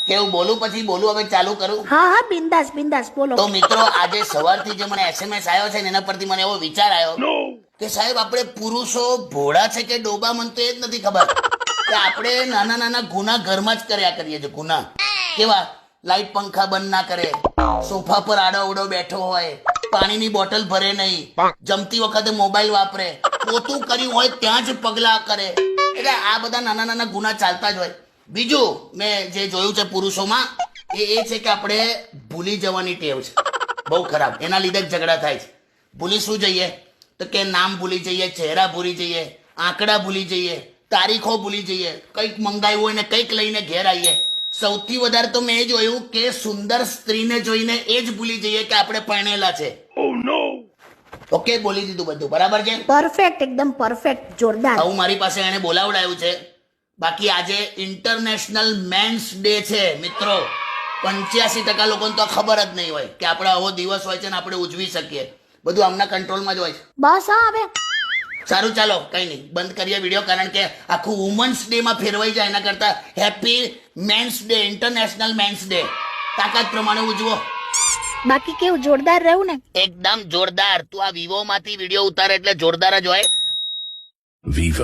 કેવું બોલું પછી બોલું હવે ચાલુ કરું? હા હા બિંદાસ બિંદાસ બોલો. તો મિત્રો આજે સવારથી જે મને SMS આવ્યો છે ને એના પરથી મને એવો વિચાર આવ્યો કે સાહેબ આપણે પુરુષો ભોળા છે કે ડોબા, મને તો એ જ નથી ખબર કે આપણે નાના નાના ગુના ઘરમાં જ કર્યા કરીએ છીએ. ગુના કેવા? લાઈટ પંખા બંધ ના કરે, સોફા પર આડો અવડો બેઠો હોય, પાણીની બોટલ ભરે નહીં, જમતી વખતે મોબાઈલ વાપરે, પોતું કર્યું હોય ત્યાં જ પગલા કરે. એટલે આ બધા નાના નાના ગુના ચાલતા જ હોય. બીજું મેં જે જોયું છે પુરુષોમાં એ છે કે આપણે ભૂલી જવાની ટેવ છે, બહુ ખરાબ. એના લીધે જ ઝઘડા થાય છે. ભૂલી શું જઈએ તો કે નામ ભૂલી જઈએ, ચહેરા ભૂલી જઈએ, આંકડા ભૂલી જઈએ, તારીખો ભૂલી જઈએ, કંઈક મંગાવ્યું હોય ને કંઈક લઈને ઘેર આવીએ. સૌથી વધારે તો મેં એ જોયું કે સુંદર સ્ત્રીને જોઈને એ જ ભૂલી જઈએ કે આપણે પરણેલા છે. ઓકે, બોલી દીધું બધું બરાબર છે. પરફેક્ટ, એકદમ પરફેક્ટ, જોરદાર. હું મારી પાસે એને બોલાવડાયું છે. બાકી આજે ઇન્ટરનેશનલ મેન્સ ડે છે મિત્રો. 85% લોકોને તો ખબર જ નહીં હોય કે આપણે આવો દિવસ હોય છે ને આપણે ઉજવી શકીએ. બધું આમના કંટ્રોલમાં જ હોય છે. બસ હા હવે સારું, ચાલો કઈ નહીં, બંધ કરીએ વિડીયો, કારણ કે આખું વુમન્સ ડે માં ફેરવાઈ જાય. એના કરતા happy men's day, international men's day તાકાત પ્રમાણે ઉજવો. બાકી કેવું જોરદાર રહ્યું ને? એકદમ જોરદાર. તું આ વિવો માંથી વિડીયો ઉતારે એટલે જોરદાર જ હોય. Vivo.